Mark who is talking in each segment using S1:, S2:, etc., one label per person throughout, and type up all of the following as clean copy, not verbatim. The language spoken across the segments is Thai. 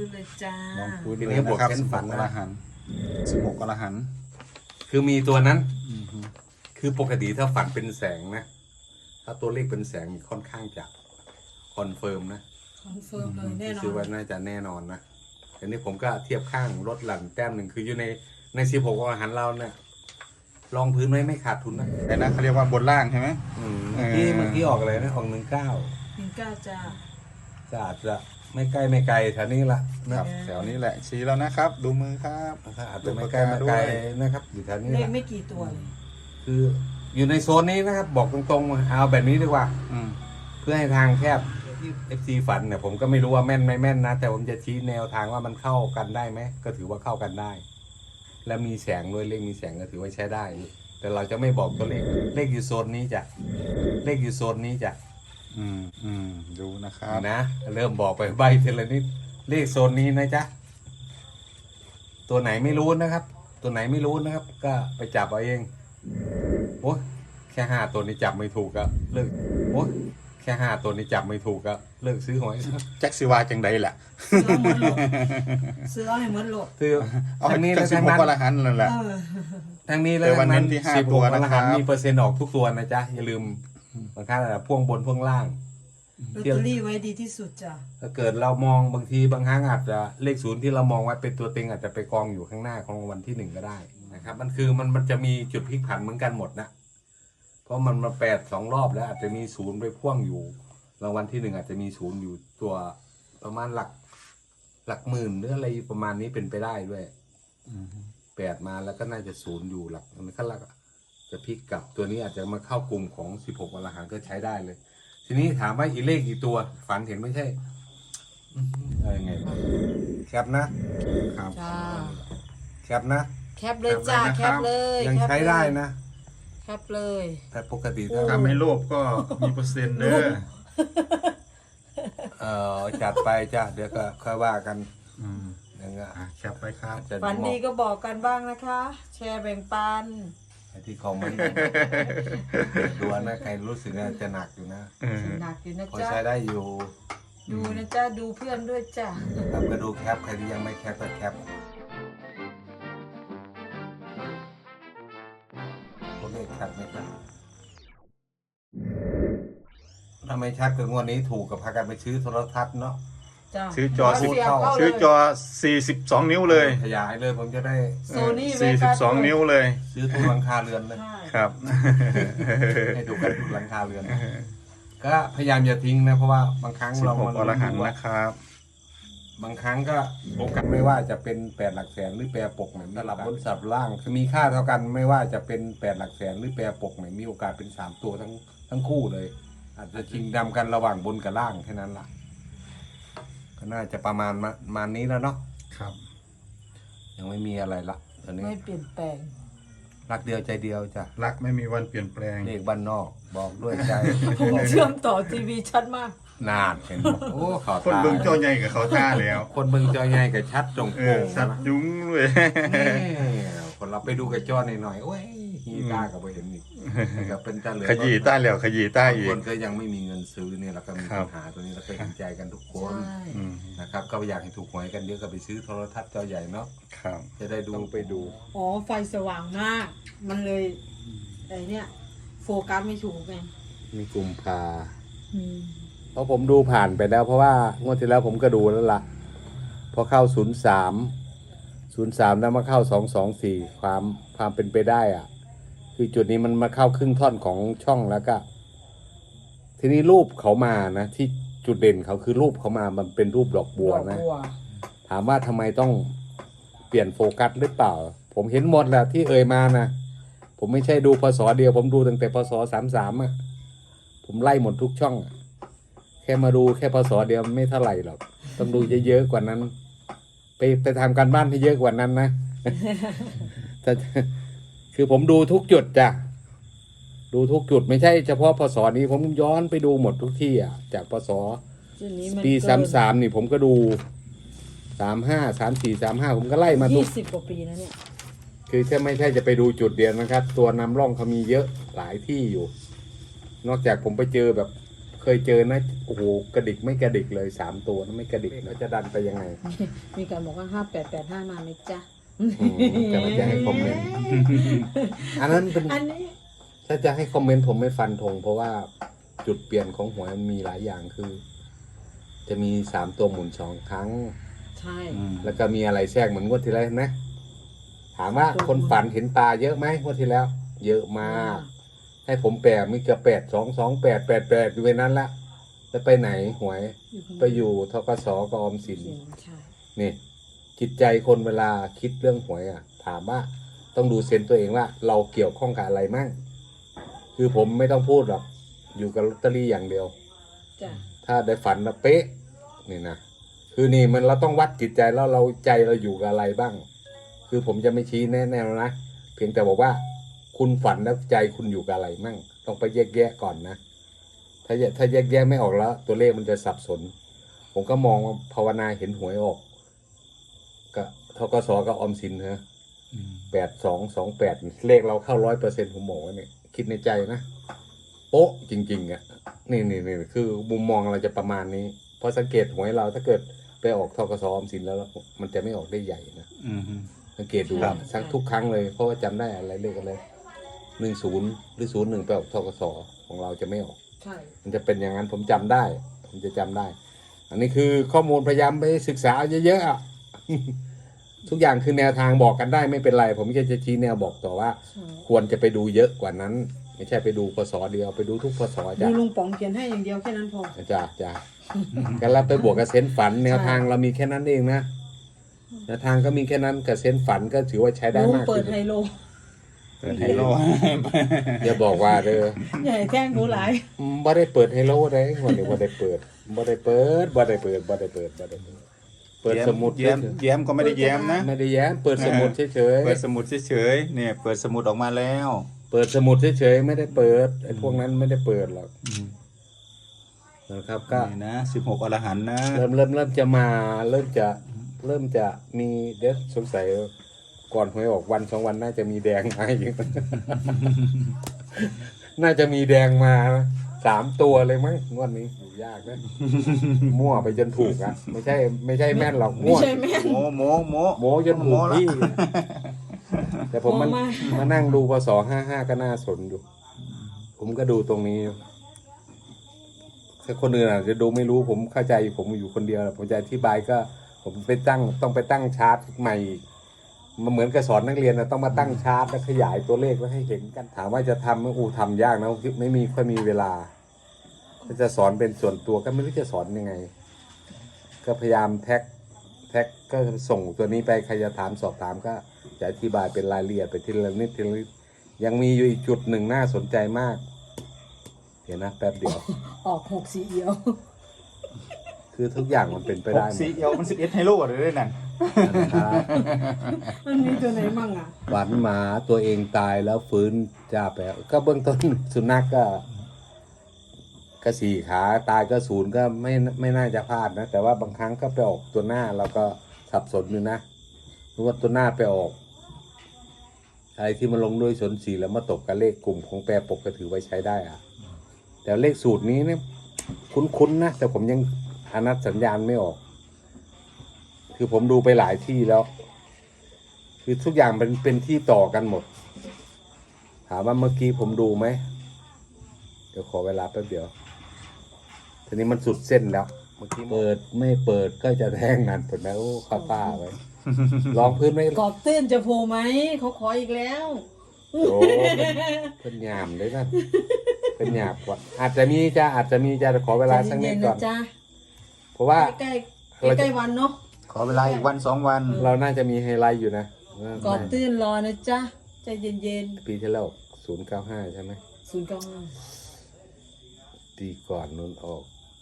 S1: นเลยจ้า
S2: ลองคุยเลยนะครับ16 อรหันต์16 อรหันต์
S3: คือมีตัวนั้นคือปกติถ้าฝันเป็นแสงนะถ้าตัวเลขเป็นแสงค่อนข้างจะคอนเฟิร์มนะ
S1: คอนเฟิร์มเลยแน่นอ
S3: คือน ว่าน่าจะแน่นอนนะทีนี้ผมก็เทียบข้างลดหลั่นแต้มหนึ่งคืออยู่ใน16 อรหันต์เราเนี่ยลองพื้นไว้ไม่ขาดทุนนะ
S2: แต่นะเขาเรียกว่าบนล่างใช่ไหม
S3: เมื่อกี้ออกอะไรนะออก19
S1: 19จ้า
S3: จะอาจจะไม่ใกล้ไม่ไกลแถวนี้ละ
S2: ครับแถวนี้แหละชี้แล้วนะครับ ดูมือครับ
S3: อาจจะไม่ใกล้ไม่ไกลนะครับอยู่แถวนี้
S1: เลข
S3: ละ
S1: ไม่กี่ตัวเลย
S3: คืออยู่ในโซนนี้นะครับบอกตรงๆเอาแบบนี้ดีกว่าเพื่อให้ทางแคบที่ FC ฝันเนี่ยผมก็ไม่รู้ว่าแม่นไม่แม่นนะแต่ผมจะชี้แนวทางว่ามันเข้ากันได้ไหมก็ถือว่าเข้ากันได้ และมีแสงด้วยเลขมีแสงก็ถือว่าใช้ได้แต่เราจะไม่บอกตัวเลขอยู่โซนนี้จ้ะเลขอยู่โซนนี้จ้ะ
S2: ดูนะครับ
S3: นะเริ่มบอกไปใบทีละนิดเลขโซนนี้นะจ๊ะตัวไหนไม่รู้นะครับ ตัวไหนไม่รู้นะครับ ก็ไปจับเอาเองโอ้แค่5 ตัวนี้จับไม่ถูกก็เลิกโอ้แค่5 ตัวนี้จับไม่ถูกก็เลิกซื้อหวย
S2: แจ็คซิวาจังใดแหละ
S1: ซื้อเอาให้เหมือนโหลด
S3: คือทางนี้และ
S2: ทางนั้น16 อรหันต์นั่นแหละ
S3: ทางนี้และทางนั้น16 อรหันต์มีเปอร์เซ็นต์ออกทุกตัวนะจ๊ะอย่าลืมบางครั้งพ่วงบนพ่วงล่าง
S1: ลอตเตอรี่ไว้ดีที่สุดจ้ะ
S3: ถ้าเกิดเรามองบางทีบางครั้งอาจจะเลข0ที่เรามองไว้เป็นตัวเต็งอาจจะไปกองอยู่ข้างหน้าของวันที่1ก็ได้นะครับมันคือมันจะมีจุดพลิกผันเหมือนกันหมดนะเพราะมันมา2 รอบแล้วอาจจะมี0ไปพ่วงอยู่รางวัลที่1อาจจะมี0อยู่ตัวประมาณหลักหมื่นหรืออะไรประมาณนี้เป็นไปได้ด้วย8มาแล้วก็น่าจะ0อยู่หลักมันก็จะพลิกกลับตัวนี้อาจจะมาเข้ากลุ่มของ16 อรหันต์ก็ใช้ได้เลยทีนี้ถามว่าอีเลขกี่ตัวฝันเห็นไม่ใช่อะไรไงแคปนะครับแคปนะ
S1: แคปเลยจ้าแคปเลย
S3: ยังใช้ได้นะ
S1: แคปเลย
S3: แต่ปกติ
S2: ถ้าไม่โลภก็มีเปอร์เซ็นต์เด้
S3: อจัดไปจ้ะเดี๋ยวก็ค่อยว่ากัน
S2: ยังไงแคปไปครับ
S1: ฝันดีก็บอกกันบ้างนะคะ แชร์แบ่งปัน
S3: ที่คอมเมนต์ดูนะใครรู้สึกว่าจะหนักอยู่นะ
S1: หนักอยู่นะ
S3: จ๊ะใช้ได้อยู่
S1: ดูนะจ๊ะดูเพื่อนด้วยจ้ะ
S3: ครับก็ดูแคปใครที่ยังไม่แคปก็แคปตัวเลขชัดไหมครับถ้าไม่ชัดก็งวดนี้ถูกกับพากันไปซื้อโทรทัศน์เนาะ
S2: ซื้อจอ42 นิ้วเลย
S3: ขยายเลยผมจะได้
S2: 42 นิ้วเลย
S3: ซื้อทุกหลังคาเรือนเลย
S2: ครับ
S3: ให้ดูกันทุกหลังคาเรือนก็พยายามอย่าทิ้งนะเพราะว่าบางครั้งเรา
S2: 16 อรหันต์นะครับ
S3: บางครั้งก็โอกาสไม่ว่าจะเป็น8 หลักแสนหรือแปรปกไหนสลับบนสับล่างคือมีค่าเท่ากันไม่ว่าจะเป็น8 หลักแสนหรือแปรปกไหนมีโอกาสเป็น3 ตัวทั้งคู่เลยอาจจะชิงดำกันระหว่างบนกับล่างแค่นั้นล่ะก็น่าจะประมาณนี้แล้วเนาะ
S2: ครับ
S3: ยังไม่มีอะไรละตอนนี้
S1: ไม่เปลี่ยนแปลง
S3: รักเดียวใจเดียวจ้ะ
S2: รักไม่มีวันเปลี่ยนแปลง
S3: เลขบ้านนอกบอกด้วยใจ
S1: ผมเชื่อมต่อทีวีชัดมาก
S3: นานเห็นโอ้ขอ
S2: คนเบิ่งจอใหญ่กับเขาท่าแล้ว
S3: คนเบิ่งจอใหญ่กับชัดจงโป่ง
S2: ชัดยุ้งเลย
S3: คนเราไปดูกับจอหน่อยๆโอ้ยฮีตากับไปเห็นอีกกับเป็นตาเหลือ
S2: ขยี้ตาแล้วขยี้ตาอีก
S3: คนก็ยังไม่มีเงินซื้อเนี่ยเราก็มีปัญหาตัวนี้เราก็เห็นใจกันทุกคนนะครับก็อยากให้ถูกหวยกันเยอะก็ไปซื้อโทรทัศน์จอใหญ่เนาะ
S2: ครับ
S3: จะได้ดู
S2: ไปดู
S1: อ๋อไฟสว่างมากมันเลยไอ้เนี่ยโฟกัสไม่ถูกไง
S3: มีกุมภาเพราะผมดูผ่านไปแล้วเพราะว่างวดที่แล้วผมก็ดูแล้วล่ะพอเข้า03แล้วมาเข้า224ความเป็นไปได้อ่ะคือจุดนี้มันมาเข้าครึ่งท่อนของช่องแล้วก็ทีนี้รูปเขามานะที่จุดเด่นเขาคือรูปเขามามันเป็นรูปดอกบัวนะถามว่าทำไมต้องเปลี่ยนโฟกัสหรือเปล่าผมเห็นหมดแหละที่เอ่ยมานะผมไม่ใช่ดูพศเดียวผมดูตั้งแต่พศ33อ่ะผมไล่หมดทุกช่องแค่มาดูแค่พศเดียวไม่เท่าไหร่หรอกต้องดูเยอะๆกว่านั้นไปทำการบ้านให้เยอะกว่านั้นนะแต่คือผมดูทุกจุดจ้ะดูทุกจุดไม่ใช่เฉพาะพศนี้ผมย้อนไปดูหมดทุกที่อ่ะจากพศปี33นี่ผมก็ดู35 34 35ผมก็ไล่มาทุก
S1: 20 กว่าปีนะเนี่ย
S3: คือแค่ไม่ใช่จะไปดูจุดเดียวนะครับตัวนำร่องเขามีเยอะหลายที่อยู่นอกจากผมไปเจอแบบเคยเจอนะโอ้โหกระดิกไม่กระดิกเลย3 ตัวนะไม่กระดิกนะจะดันไปยังไง
S1: มีการบอกว่า5885มาไหมจ๊ะ
S3: แต่ว่าจะให้คอมเมนต์ อันนั้นเป็น
S1: อันนี้
S3: ถ้าจะให้คอมเมนต์ผมไม่ฟันธงเพราะว่าจุดเปลี่ยนของหวยมันมีหลายอย่างคือ จะมี3 ตัวหมุน2 ครั้ง
S1: ใช่
S3: แล้วก็มีอะไรแทรกเหมือนงวดที่แล้วนะถามว่าคนฝันเห็นปลาเยอะไหมงวดที่แล้ว เยอะมาก ให้ผมแปลมีเกือบ8 2 2 8 8 8อยู่ในนั้นละจะไปไหนหวย ไปอยู่ธกสกับออมสิน
S1: ใช่
S3: นี่จิตใจคนเวลาคิดเรื่องหวยอ่ะ ถามว่าต้องดูเซนส์ตัวเองว่า เราเกี่ยวข้องกับอะไรมั่งคือผมไม่ต้องพูดหรอกอยู่กับลอตเตอรี่อย่างเดียว
S1: จ้ะ
S3: ถ้าได้ฝันแล้วเป๊ะนี่นะคือนี่มันเราต้องวัดจิตใจแล้วเราใจเราอยู่กับอะไรบ้าง คือผมจะไม่ชี้แน่ๆนะเพียงแต่บอกว่า คุณฝันแล้วใจคุณอยู่กับอะไรมั่งต้องไปแยกแยะก่อนนะถ้าแยกแยะไม่ออกแล้ว ตัวเลขมันจะสับสน ผมก็มองว่าภาวนาเห็นหวยออกก็ธกสกับออมสินฮะ82 28เลขเราเข้า100%ผมบอกว่าเนี่ยคิดในใจนะโป๊ะจริงๆอ่ะนี่คือมุมมองเราจะประมาณนี้เพราะสังเกตหวยเราถ้าเกิดไปออกธกสออมสินแล้วมันจะไม่ออกได้ใหญ่นะสังเกตดู
S2: ครับ
S3: ทั้งทุกครั้งเลยเพราะว่าจำได้อะไรเลขอะไร10หรือ01ไปออกธกสของเราจะไม่ออก
S1: ใช่
S3: มันจะเป็นอย่างนั้นผมจำได้ ผมจะจำได้ อันนี้คือข้อมูลพยายามไปศึกษาเยอะๆอ่ะ ทุกอย่างคือแนวทางบอกกันได้ไม่เป็นไร ผมแค่จะชี้แนวบอกต่อว่า
S1: ใช่
S3: ควรจะไปดูเยอะกว่านั้น ไม่ใช่ไปดูพศเดียวไปดูทุกพศ
S1: ดู
S3: จ้ะ
S1: ลุงป๋องเขียนให้อย่างเดียวแค่นั้นพอ
S3: จ้ะกันแล้วไปบวกกับเซนส์ฝัน แนวทางเรามีแค่นั้นเองนะแนวทางก็มีแค่นั้นกับเซนส์ฝันก็ถือว่าใช้ได้
S1: ลุง
S3: มาก
S1: เปิด
S3: ขึ้น
S1: ไฮโล
S2: เปิดไฮโล
S3: อย่าบอกว่าเด้อ
S1: ใหญ่แท่งหนูหลาย
S3: บ่ได้เปิดไฮโลได้วันนี้บ่ได้เปิดบ่ได้เปิดเปิดสมุด
S2: แย้มก็ไม่ได้แย้มนะ
S3: ไม่ได้แย้มเปิดสมุดเฉย
S2: เปิดสมุดเฉยๆเนี่ยเปิดสมุดออกมาแล้ว
S3: ๆเปิดสมุดเฉยๆไม่ได้เปิดไอ้พวกนั้นไม่ได้เปิดหรอกนะครับก็
S2: นี่นะ16อรหันต์นะ
S3: เริ่มจะมาเริ่มจะมีเดี๋ยวสงสัยก่อนหวยออกวัน2 วันน่าจะมีแดงมาอีก น่าจะมีแดงมา3 ตัวเลยมั้งงวดนี้อยู่ยากนะ มั่วไปจนถูกอ่ะไม่ใช่แม่นหรอก
S1: ไม่
S3: มั่ว
S1: ใช่แม่น
S3: โมจนถูกที่แต่ผมมัน
S1: โม้มาก
S3: มานั่งดูพศ55ก็น่าสนอยู่ ผมก็ดูตรงนี้ถ้าคนอื่นอาจจะดูไม่รู้ผมเข้าใจอยู่ผมอยู่คนเดียวผมจะอธิบายก็ผมต้องไปตั้งชาร์ตใหม่มันเหมือนกับสอนนักเรียนนะต้องมาตั้งชาร์ตแล้วขยายตัวเลขแล้วให้เห็นกันถามว่าจะทำทำยากนะไม่มีค่อยมีเวลาถ้าจะสอนเป็นส่วนตัวก็ไม่รู้จะสอนยังไง ก็พยายามแท็กก็ส่งตัวนี้ไปใครจะถามสอบถามก็จะอธิบายเป็นรายละเอียดไปทีละนิดยังมีอยู่อีกจุดหนึ่งน่าสนใจมากเดี๋ยวนะแป๊บเดียว
S1: ออก6สีเอียว
S3: คือทุกอย่างมันเป็นไปได้หมด
S2: สีเอียวมัน11ไฮโลหรือได้นั่น
S3: นะครับ
S1: มันมีตัวไหนมั่งอ่ะ
S3: ฝันหมาตัวเองตายแล้วฟื้นจ้าแปลก็เบื้องต้น สุนัขก็4 ขาตายก็0ก็ไม่น่าจะพลาดนะ แต่ว่าบางครั้งก็ไปออกตัวหน้าเราก็สับสนอยู่นะรู้ว่าตัวหน้าไปออกอะไรที่มันลงด้วยสนสีแล้วมาตกกับเลขกลุ่มของแปรปกก็ถือไว้ใช้ได้อะแต่เลขสูตรนี้เนี่ยคุ้นๆนะแต่ผมยังอนัดสัญญาณไม่ออก คือผมดูไปหลายที่แล้ว คือทุกอย่างเป็นที่ต่อกันหมด ถามว่าเมื่อกี้ผมดูไหมเดี๋ยวขอเวลาแป๊บเดียวทีนี้มันสุดเส้นแล้ว เมื่อกี้เปิดไม่เปิดก็จะแทงนั่นเปิดแล้วข้าป้าไว้ลองพื้นไม่
S1: กรอบตื้นจะโผล่ไหมเขาขออีกแล้ว
S3: โอ้เป็นหยามเลยนะเป็นหยาบกว่าอาจจะมีจะขอเวลาสักนิดก่อน
S1: ใจเย็ๆะจ๊ะ
S3: เพราะว่า
S1: ใกล้ๆวันเนาะ
S2: ขอเวลาอีกวัน2 วัน
S3: เราน่าจะมีไฮไลท์อยู่นะ
S1: กรอบตื้นรอนะจ๊ะใจเย็น
S3: ปีที่แล้ว095ใช่ไหม
S1: ๆ095
S3: ปีก่อนนู้นออก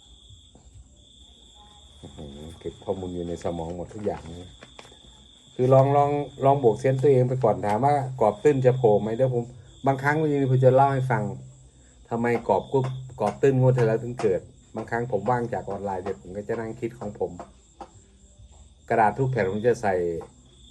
S3: อื้อหือเก็บข้อมูลอยู่ในสมองหมดทุกอย่างเลยคือลองบวกเซนส์ตัวเองไปก่อนถามว่ากรอบตื้นจะโผล่ไหมเดี๋ยวผมบางครั้งวันนี้ผมจะเล่าให้ฟังทำไมกรอบตื้นงวดที่แล้วถึงเกิด บางครั้งผมว่างจากออนไลน์เดี๋ยวผมก็จะนั่งคิดของผม กระดาษทุกแผ่นผมจะใส่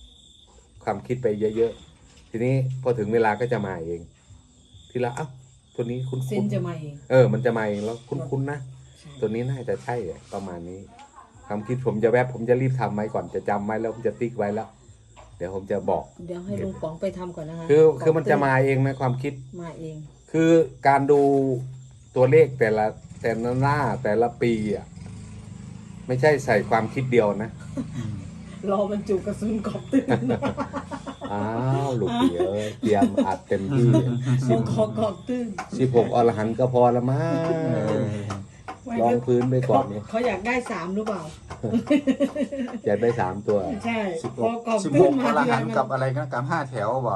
S3: ความคิดไปเยอะๆทีนี้พอถึงเวลาก็จะมาเองทีละเอ้าตัวนี้คุ้น
S1: เส้นจะมาเอง
S3: มันจะมาเองแล้วคุ้นๆนะ
S1: ใช่
S3: ตัวนี้น่าจะใช่ประมาณนี้ความคิดผมจะผมจะรีบทำไว้ก่อนจะจำไว้แล้วผมจะติ๊กไว้แล้ว เดี๋ยวผมจะบอก
S1: เดี๋ยวให้ลุงป๋องไปทำก่อนนะคะ
S3: คือมันจะมาเองนะความคิด
S1: มาเอง
S3: คือการดูตัวเลขแต่ละหน้าแต่ละปีอ่ะไม่ใช่ใส่ความคิดเดียวนะ
S1: รอบรรจุกระสุนกอบตื่น
S3: อ้าวลูกเอ๋ยเตรียมอัดเต็มที่
S1: มงคอกอบตื่น
S3: 16 อรหันต์ก็พอละมั้งลองพื้นไปก่อนเนี่ย
S1: เขาอยากได้3หรือเปล่า
S3: อยากได้3ตัว
S1: ใช่พอกอบ
S2: 16
S1: ตื่น
S2: อ
S1: มาร ที
S2: หั
S1: ไร
S2: นต์
S1: มัน
S2: กับอะไรกันกับ5แถวบ่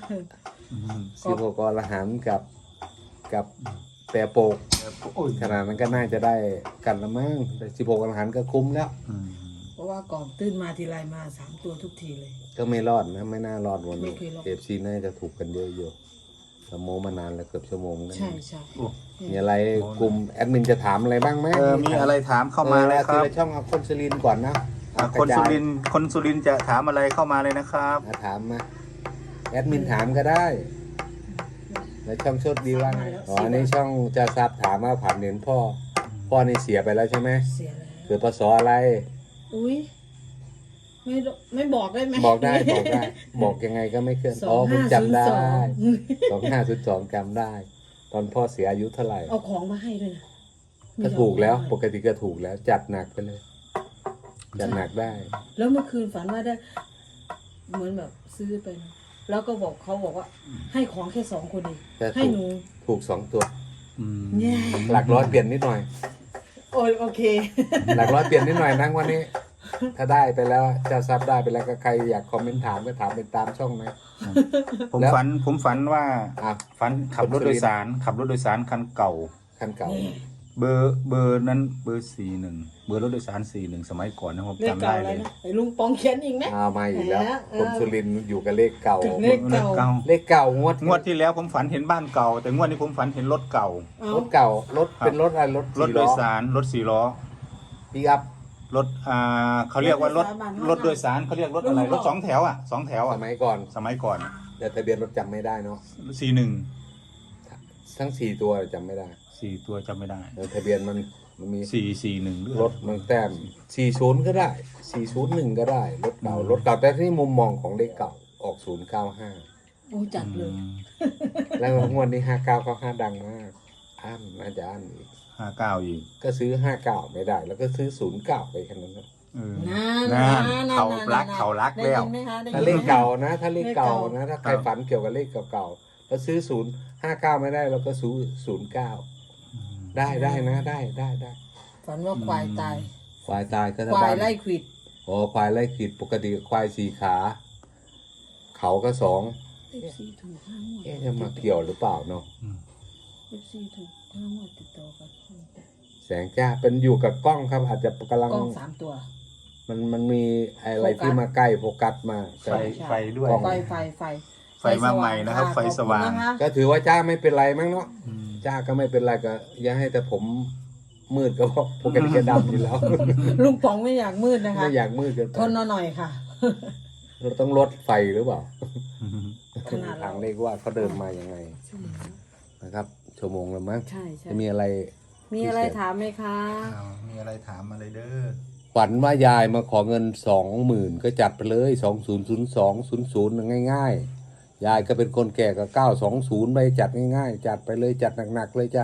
S3: 16 อรหันต์กับแปรโปก
S2: โอ้ย
S3: ขนาดนั้นก็น่าจะได้กันละมั้งแต่16 อรหันต์ก็คุ้มแล้ว
S1: เพราะว่ากอบตื่นมาทีไรมา3ตัวทุกทีเลย
S3: ก็ไม่รอดนะไม่น่ารอดวันนี้
S1: ไม่เคยรอด
S3: FC น่าจะถูกกันเยอะอยู่สมโมมานานแล้วเกือบชั่วโมงแล้ว
S1: ใช่ใช่
S3: มีอะไรกลุ่มแอดมินจะถามอะไรบ้างไหม
S2: มีอะไรถามเข้ามาเลยค
S3: ที
S2: รับ
S3: ละช่องเอาคนสุรินทร์ก่อนนะ
S2: คนสุรินทร์จะถามอะไรเข้ามาเลยนะครับ
S3: ถามมาแอดมินถามก็ได้แล้วช่องโชดดีว่าไงอ๋ออันนี้ช่องจะทราบถามว่าผ่านเห็นพ่อนี่เสียไปแล้วใช่ไหม
S1: เสียแล้ว
S3: เกิดพศอะไร
S1: อุ้ยไม่บอกได้ไหม
S3: บอกได้บอกยังไงก็ไม่เคลื่อนอ๋อผมจำได้2502จำได้ ตอนพ่อเสียอายุเท่าไหร่
S1: เอาของมาให้ด้วยนะ
S3: ก็ถูกแล้วปกติก็ถูกแล้วจัดหนักไปเลย จัดหนักได้
S1: แล้วเมื่อคืนฝันว่าได้ เหมือนแบบซื้อไปนะแล้วก็บอกเขาบอกว่า ให้ของแค่2 คนเอง
S3: แต่
S1: ให้หนู
S3: ถูก2 ตัว
S1: เนี่ย
S3: หลักร้อยเปลี่ยนนิดหน่อย
S1: โอเค
S3: หลักร้อยเปลี่ยนนิดหน่อยนะวันนี้ ถ้าได้ไปแล้วเจ้าทรัพย์ได้ไปแล้วก็ใครอยากคอมเมนต์ถามก็ถามเป็นตามช่องนะ
S2: ผมฝันว่า
S3: อ่ะ
S2: ฝันขับรถโดยสารคันเก่า
S3: คันเก่า
S2: เบอร์นั้นเบอร์41เบอร์รถโดยสาร41สมัยก่อนนะผม
S1: เลข
S2: จำ
S1: เก่า
S2: ได้
S1: อะไร
S2: เลย
S1: นะไอ้ลุงปองเขียนอีกไหม
S3: เอามาอีกแล้ว
S1: เออ
S3: คนสุรินทร์อยู่กับเลขเก่า
S1: เลขเก่า
S3: เลขเก่างวด
S2: งวดที่แล้วผมฝันเห็นบ้านเก่า แต่งวดนี้ผมฝันเห็นรถเก่า
S1: เอา
S3: รถเก่ารถเป็นรถอะไรรถ
S2: รถโดยสารรถ4 ล้อ
S3: ปีอัพ
S2: รถเขาเรียกว่ารถโดยสารเขาเรียกรถอะไรรถ2 แถว2 แถว
S3: สมัยก่อน
S2: สมัยก่อน
S3: แต่ทะเบียนรถจำไม่ได้เนาะ
S2: 41
S3: ทั้ง4ตัวจำไม่ได้
S2: 4 ตัวจำไม่ได้
S3: แต่ทะเบียนมันมี
S2: 441หรือ
S3: รถมันแต้ม40ก็ได้401ก็ได้รถเก่ารถเก่าแต่ที่มุมมองของเลขเก่าออก095
S1: โอ้จัดเลย
S3: แล้วงวดนี้5995ดังมากอั้นน่าจะอั้นอีก
S2: 59อีก
S3: ก็ซื้อ59ไม่ได้ แล้วก็ซื้อ09ไปแค่นั้นนะ
S2: เขารักแล้ว
S1: ได้ยินไหมคะได้ยินไหม
S3: ถ้าเลขเก่านะถ้าเลขเก่านะถ้าใครฝันเกี่ยวกับเลขเก่าๆแล้วซื้อ059ไม่ได้เราก็ซื้อ09ได้นะได้
S1: ฝันว่าควายตาย
S3: ควายตายก็
S1: ควายไล่ขวิด
S3: อ๋อควายไล่ขีดปกติควาย4 ขาเขาก็2
S1: FC ถูก5 งวด
S3: จะมาเกี่ยวหรือเปล่าเนาะ
S1: FC ถูก5 งวดติดต่อกัน
S3: แสงจ้าเป็นอยู่กับกล้องครับอาจจะกำลัง
S1: กล้อง3 ตัว
S3: มันมีอะไรที่มาใกล้โฟกัสมาแต่
S2: ไฟด้วย
S3: กล้อง
S2: ไฟมาใหม่นะครับไฟสว่าง
S1: ขอบคุณนะคะ
S3: ก็ถือว่าจ้าไม่เป็นไรมั้งเนาะจ้าก็ไม่เป็นไรก็อย่าให้แต่ผมมืดก็พอปกติก็ดำอยู่แล้ว
S1: ลุงป๋องไม่อยากมืดนะคะ
S3: ไม่อยากมืดเกินไป
S1: ทนเอาหน่อยค่ะ
S3: เราต้องลดไฟหรือเปล่า
S1: ขนาดเรา
S3: ทางเลขว่าเขาเดินมายังไงนะครับ ชั่วโมงแล้วมั้ง
S1: ใช่ใช่
S3: จะมีอะไร
S1: มีอะไรถามไหมคะ
S2: มีอะไรถามมาเลยเด้อ
S3: ฝันว่ายายมาขอเงิน20,000ก็จัดไปเลย200200ง่ายๆยายก็เป็นคนแก่ก็920ไปจัดง่ายๆจัดไปเลยจัดหนักๆเลยจ้ะ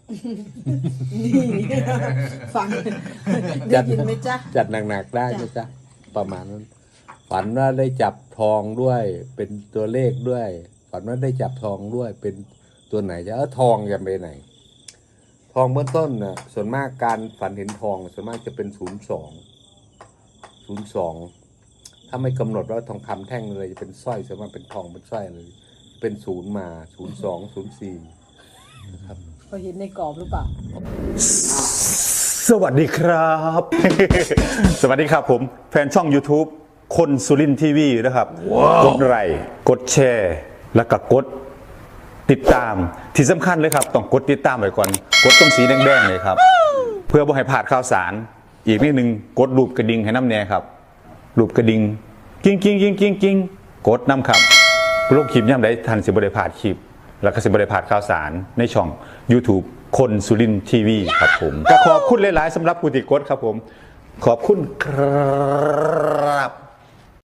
S1: นี่ฟังได้ยินไหมจ๊ะ
S3: จัดหนักๆได้ไหมจ๊ะประมาณนั้น ฝันว่าได้จับทองด้วยเป็นตัวเลขด้วย ฝันว่าได้จับทองด้วยเป็นตัวไหนจะทองจะไปไหน ทองเบื้องต้นน่ะส่วนมากการฝันเห็นทองส่วนมากจะเป็น02ถ้าไม่กำหนดว่าทองคำแท่งเลยจะเป็นสร้อยส่วนมากเป็นทองเป็นสร้อยเลยเป็น0มา02 04นะครับ
S1: เขาเห็นในกรอบหรือเปล่า
S4: สวัสดีครับ สวัสดีครับผมแฟนช่อง YouTube คนสุรินทีวีนะครับ กดไลค์กดแชร์แล้วก็กดติดตามที่สำคัญเลยครับต้องกดติดตามไว้ก่อนกดตรงสีแดงๆเลยครับ เพื่อบ่ให้พลาดข่าวสารอีกนิดนึงกดรูปกระดิ่งให้น้ำแน่ครับรูปกระดิ่งกิ้งกิ้งกิ้งกิ้งกิ้งกดน้ำครับโลกคลิปย่ำได้ทันสิบได้พลาดคลิปแล้วก็สิบริพลาดข่าวสารในช่อง YouTube คนสุรินทร์ทีวีครับผมก็ขอบคุณหลายๆสำหรับผู้ติดกดครับผมขอบคุณครับ